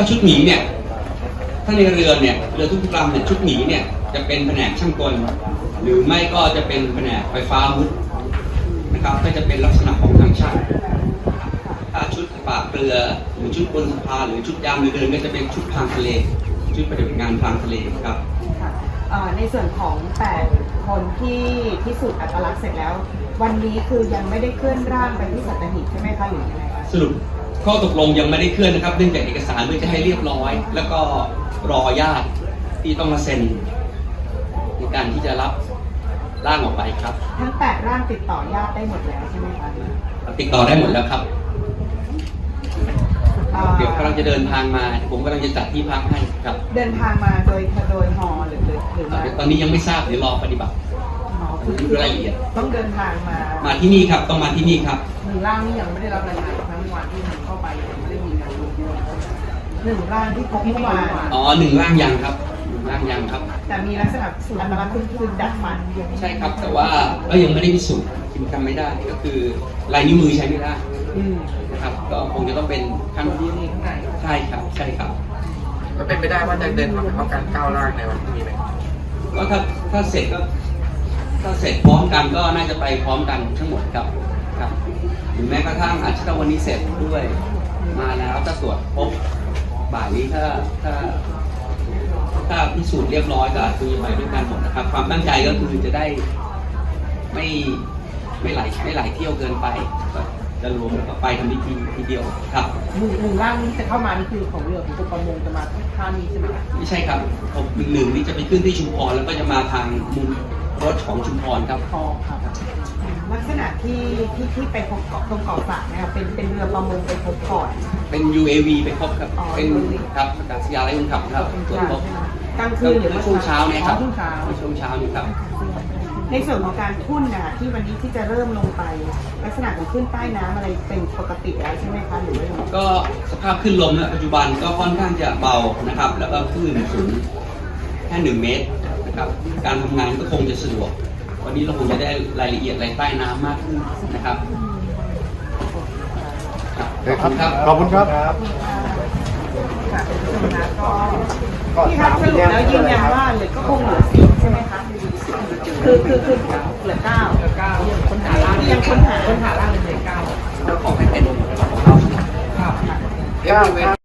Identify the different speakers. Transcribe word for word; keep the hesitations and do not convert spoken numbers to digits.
Speaker 1: ชุดหมีเนี่ยถ้าในเรือเนี่ยเรือทุกลำเนี่ยชุดหมีเนี่ยจะเป็นแผนกช่างกลหรือไม่ก็จะเป็นแผนกไฟฟ้ามุดนะครับก็จะเป็นลักษณะของทางช่างถ้าชุดปราบเรือหรือชุดบนสะพานหรือชุดยามเรือเดินก็จะเป็นชุดพรางทะเลชุดปฏิบัติงานพรางทะเลครับ
Speaker 2: ในส่วนของแปดคนที่พิสูจน์อัตลักษณ์เสร็จแล้ววันนี้คือยังไม่ได้เคลื่อนร่างไปที่สัตหีบใช่ไหมคะหรือยังไงคะ
Speaker 1: สรุปข้อตกลงยังไม่ได้เคลื่อนนะครับเนื่องจากเอกสารเพื่อจะให้เรียบร้อยแล้วก็รอญาติที่ต้องมาเซ็นในการที่จะรับร่างออกไปครับ
Speaker 2: ทั้งแปดร่างติดต่อญาติได้หมดแล้วใช่ไหมคะ
Speaker 1: ติดต่อได้หมดแล้วครับเดี๋ยวกำลังจะเดินทางมาผมกำลังจะจัดที่พักให้ครับ
Speaker 2: เดินทางมาโดยโดยฮอหรือหรือหรือมา
Speaker 1: ตอนนี้ยังไม่ทราบเดี๋ยวรอปฏิบัติรายละเอียด
Speaker 2: ต้องเดินทางมา
Speaker 1: มาที่นี่ครับต้องมาที่นี่ครับ
Speaker 2: หนึ่งร่างนี่ยังไม่ได้รับรายงานทั้งวันที่มันเข้าไปยังไม่ได้มีการรวบรวมหนึ่งร่างที่พบเมื่อวาน
Speaker 1: อ๋อหนึ่งร่างยังครับร่างยังครับ
Speaker 2: แต่มีลักษณะสูตรอัตลักษณ์คือดัดฟัน
Speaker 1: ใช่ครับแต่ว่าก็ยังไม่ได้พิสูจน์คิดทำไม่ได้ก็คือลายนิ้วมือใช้ไม่ได้นะครับก็คงจะต้องเป็นขั้นที่นี่ข้างในใช่ครับใช่ครับ
Speaker 3: มันเป็นไปได้ว่าจะเดินทางไปพร้อมกันเก้าร่างในวันพรุ่งนี้ไหม
Speaker 1: ก็ถ้าถ้าเสร็จก็ถ้าเสร็จพร้อมกันก็น่าจะไปพร้อมกันทั้งหมดครับครับหรือแม้กระทั่งอาจจะวันนี้เสร็จด้วยมาแล้วถ้าตรวจพบบ่ายนี้ถ้าถ้าถ้าพิสูจน์เรียบร้อยก็อาจจะไปด้วยกันหมดนะครับความตั้งใจก็คือจะได้ไม่ไม่ไหลไม่ไหลเที่ยวเกินไปจะรวมแล้วก็ไปทำพิธีทีเดียวครับ
Speaker 2: หนึ่งหนึ่งร่างนี้จะเข้ามานี่คือของเรือของกรมประมงจะมาท่านี้ใช่ไหมครับ
Speaker 1: ไม่ใช่ครับผมหนึ่งหนึ่งนี่จะไปขึ้นที่ชุมพรแล้วก็จะมาทางมุมรถของชุมพรครับ
Speaker 2: อ๋อครับลักษณะที่ที่ที่ไปพบเกาะตรงเกาะสระนะครับเป็นเป็นเรือประมงไปพบก่อน
Speaker 1: เป็น ยู เอ วี ไปพบครับเป็นครับอากาศยานไร้คนขับครับตรวจพบ
Speaker 2: กลางคืนหรือ
Speaker 1: ช่วงเช้าเนี่ยครับ
Speaker 2: ช่วงเช้า
Speaker 1: ช่วงเช้านี่ครับ
Speaker 2: ในส่วนของการทุ่นนะคะที่วันนี้ที่จะเริ่มลงไปลักษณะของขึ้นใต้น้ำอะไรเป็นปกติแล้วใช่ไหมคะหรือว่า
Speaker 1: ก็สภาพขึ้นลมณปัจจุบันก็ค่อนข้างจะเบานะครับแล้วก็คลื่นสูงแค่หนึ่งเมตรนะครับการทำงานก็คงจะสะดวกวันนี้เราคงจะได้รายละเอียดอะไรใต้น้ำมากขึ้นนะครับ
Speaker 4: ขอบคุณครับขอบคุณครับ
Speaker 2: ที่ครับสรุปแล้วยืนยันว่าเหลือก็คงเหลือสิบใช่ไหมคะคือคือคือเหลือเก้าเหลือเก้าคนหาล่างยังคนหาคนหาล่างเหลือเก้า
Speaker 3: ขอให้เป็นของเราครับ